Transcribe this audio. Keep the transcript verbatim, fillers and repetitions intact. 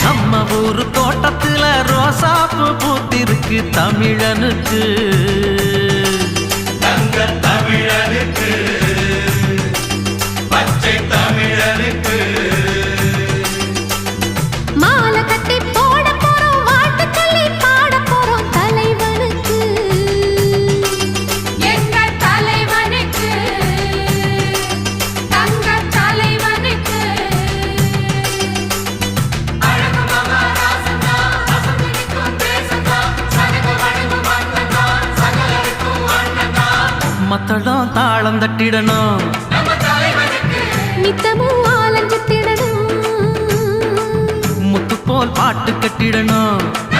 நம்ம ஊரு தோட்டத்துல ரோசாப்பு பூத்திருக்கு தமிழனுக்கு தங்க தமிழனுக்கு பச்சை தமிழனுக்கு மாலை கட்டி போட போறோம் வாழ்த்து சொல்லி பாட போறோம் தலைவனுக்கு எங்க தலைவனுக்கு தங்க தலைவனுக்கு அழகு மகாராசனா அசம்பிடிக்கும் தேசனா சனக வணங்கு மன்னனா சகலருக்கும் அண்ணனா மத்தளம் தாளம் தட்டிடணும் நம்ம தலைவனுக்கு நித்தமும் ஆலஞ்சித்திடணும் முத்து போல் பாட்டு கட்டிடணும்